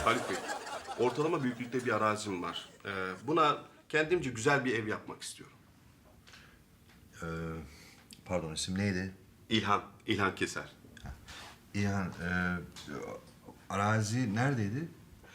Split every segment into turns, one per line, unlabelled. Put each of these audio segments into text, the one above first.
Haluk Bey, ortalama büyüklükte bir arazim var. Buna kendimce güzel bir ev yapmak istiyorum.
Pardon, isim neydi?
İlhan Keser.
İlhan, arazi neredeydi?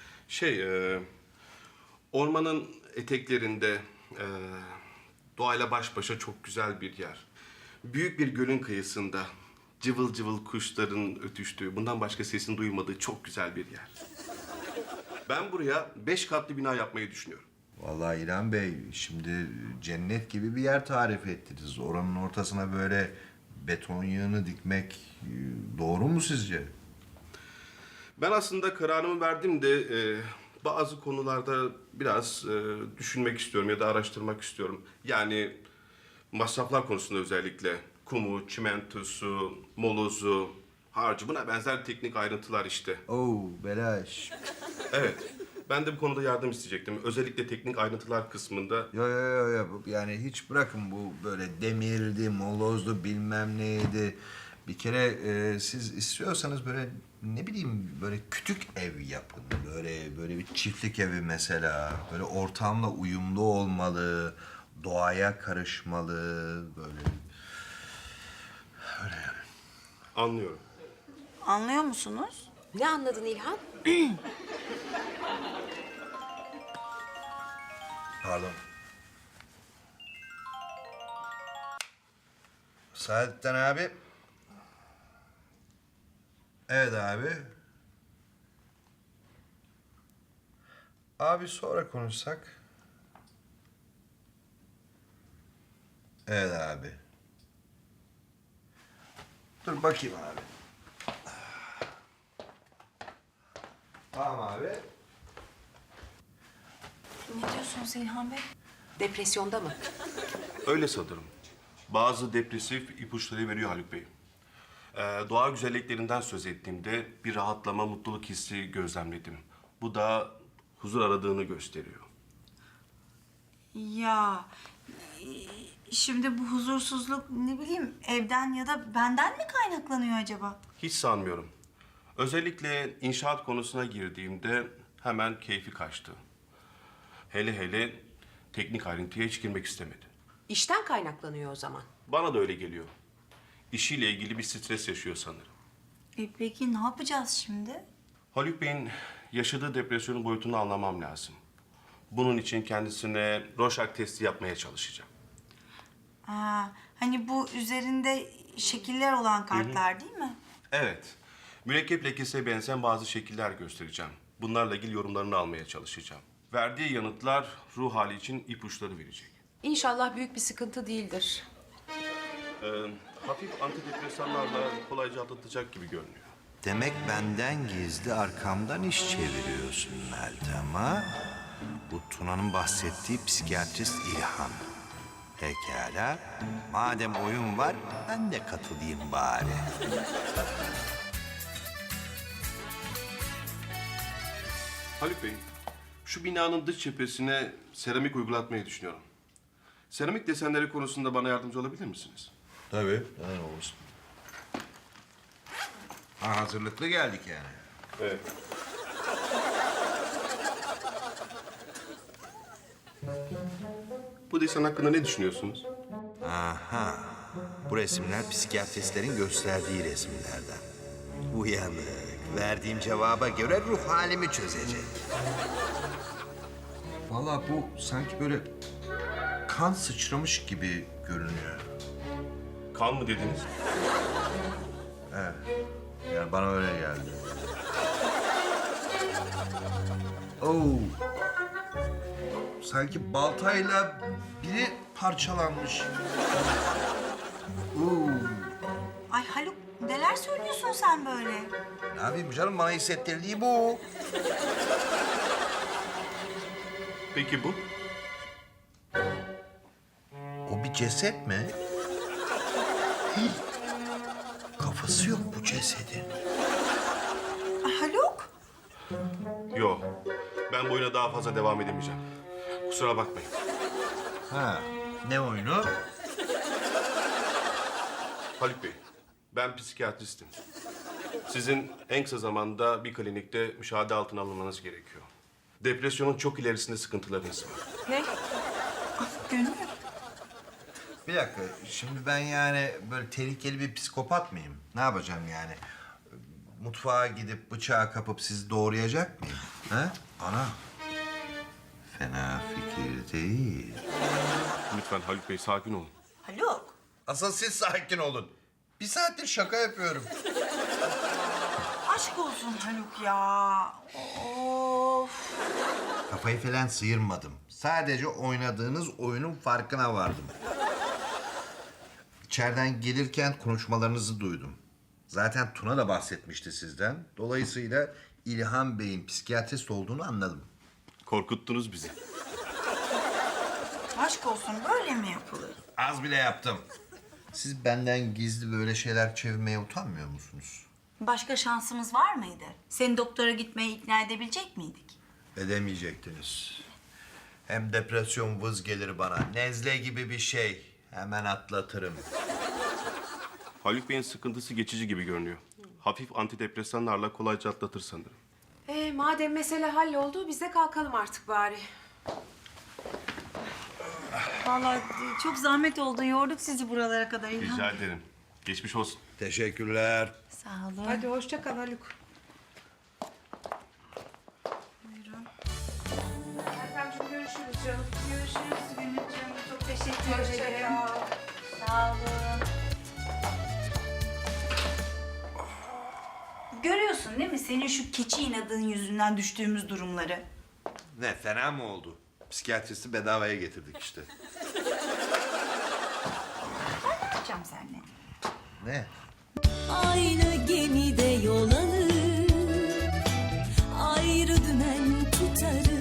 Ormanın eteklerinde, doğayla baş başa çok güzel bir yer. Büyük bir gölün kıyısında, cıvıl cıvıl kuşların ötüştüğü, bundan başka sesin duymadığı çok güzel bir yer. Ben buraya 5 katlı bina yapmayı düşünüyorum.
Vallahi İlhan Bey, şimdi cennet gibi bir yer tarif ettiniz. Oranın ortasına böyle beton yığını dikmek doğru mu sizce?
Ben aslında kararımı verdim de bazı konularda biraz düşünmek istiyorum ya da araştırmak istiyorum. Yani masraflar konusunda özellikle kumu, çimentosu, molozu, harcı buna benzer teknik ayrıntılar işte.
Oo, belaş.
Evet. Ben de bu konuda yardım isteyecektim. Özellikle teknik ayrıntılar kısmında.
Yo. Yani hiç bırakın bu böyle demirdi, molozdu, bilmem neydi. Bir kere siz istiyorsanız böyle ne bileyim böyle küçük ev yapın. Böyle bir çiftlik evi mesela. Böyle ortamla uyumlu olmalı, doğaya karışmalı böyle. Öyle yani.
Anlıyorum.
Anlıyor musunuz?
Ne anladın İlhan?
Pardon. Saadettin abi. Evet abi. Abi sonra konuşsak. Evet abi. Dur bakayım abi. Tamam abi.
Ne diyorsunuz İlhan Bey?
Depresyonda mı?
Öyle sanırım. Bazı depresif ipuçları veriyor Haluk Bey. Doğa güzelliklerinden söz ettiğimde bir rahatlama, mutluluk hissi gözlemledim. Bu da huzur aradığını gösteriyor.
Ya şimdi bu huzursuzluk ne bileyim evden ya da benden mi kaynaklanıyor acaba?
Hiç sanmıyorum. Özellikle inşaat konusuna girdiğimde hemen keyfi kaçtı. Hele teknik ayrıntıya hiç girmek istemedi.
İşten kaynaklanıyor o zaman.
Bana da öyle geliyor. İşiyle ilgili bir stres yaşıyor sanırım.
Peki ne yapacağız şimdi?
Haluk Bey'in yaşadığı depresyonun boyutunu anlamam lazım. Bunun için kendisine Rorschach testi yapmaya çalışacağım.
Hani bu üzerinde şekiller olan kartlar değil mi?
Evet, mürekkep lekesine benzeyen bazı şekiller göstereceğim. Bunlarla ilgili yorumlarını almaya çalışacağım. Verdiği yanıtlar ruh hali için ipuçları verecek.
İnşallah büyük bir sıkıntı değildir.
Hafif antidepresanlarla kolayca atlatacak gibi görünüyor.
Demek benden gizli arkamdan iş çeviriyorsun Meltem ha? Bu Tuna'nın bahsettiği psikiyatrist İlhan. Pekala. Madem oyun var, ben de katılayım bari.
Haluk Bey, şu binanın dış cephesine seramik uygulatmayı düşünüyorum. Seramik desenleri konusunda bana yardımcı olabilir misiniz?
Tabii. Neden olursun? Ha, hazırlıklı geldik yani.
Evet. Bu desen hakkında ne düşünüyorsunuz?
Aha. Bu resimler psikiyatristlerin gösterdiği resimlerden. Uyanık. Verdiğim cevaba göre ruh halimi çözecek. Vallahi bu sanki böyle kan sıçramış gibi görünüyor.
Kan mı dediniz?
Yani bana öyle geldi. Oo. Sanki baltayla biri parçalanmış. Oo.
Ay Haluk neler söylüyorsun sen böyle?
Ne yapayım canım, bana hissettirdiği bu.
Peki bu?
O bir ceset mi? Hii. Kafası yok bu cesedin.
Ay Haluk.
Yok. Ben bu oyuna daha fazla devam edemeyeceğim. Kusura bakmayın.
Ha, ne oyunu?
Haluk Bey, ben psikiyatristim. Sizin en kısa zamanda bir klinikte müşahede altına alınmanız gerekiyor. Depresyonun çok ilerisinde sıkıntılarınız var.
Ne?
Gönül.
Bir dakika, şimdi ben yani böyle tehlikeli bir psikopat mıyım? Ne yapacağım yani? Mutfağa gidip bıçağı kapıp sizi doğrayacak mıyım? Ha? Ana. Fena fikir değil.
Lütfen Haluk Bey sakin olun.
Haluk.
Asıl siz sakin olun. Bir saattir şaka yapıyorum.
Aşk olsun Haluk ya. Of.
Kafayı falan sıyırmadım. Sadece oynadığınız oyunun farkına vardım. İçeriden gelirken konuşmalarınızı duydum. Zaten Tuna da bahsetmişti sizden. Dolayısıyla İlhan Bey'in psikiyatrist olduğunu anladım.
Korkuttunuz bizi.
Aşk olsun böyle mi yapılır?
Az bile yaptım. Siz benden gizli böyle şeyler çevirmeye utanmıyor musunuz?
Başka şansımız var mıydı? Seni doktora gitmeye ikna edebilecek miydik?
Edemeyecektiniz. Hem depresyon vız gelir bana. Nezle gibi bir şey. Hemen atlatırım.
Haluk Bey'in sıkıntısı geçici gibi görünüyor. Hafif antidepresanlarla kolayca atlatır sanırım.
Madem mesele halloldu biz de kalkalım artık bari.
Vallahi çok zahmet oldu. Yorduk sizi buralara kadar İlhan.
Rica ederim. Geçmiş olsun.
Teşekkürler.
Sağ olun.
Hadi hoşça kal Haluk.
Buyurun.
Ertemciğim görüşürüz canım.
Görüşürüz Gönülcüğüm. Çok teşekkür
Hoşça
ederim.
kal.
Sağ olun. Görüyorsun değil mi? Senin şu keçi inadın yüzünden düştüğümüz durumları.
Ne fena mı oldu? Psikiyatristi bedavaya getirdik işte.
Ne yapacağım seninle?
Ne?
Aynı gemide yol alır, ayrı dümen tutarız.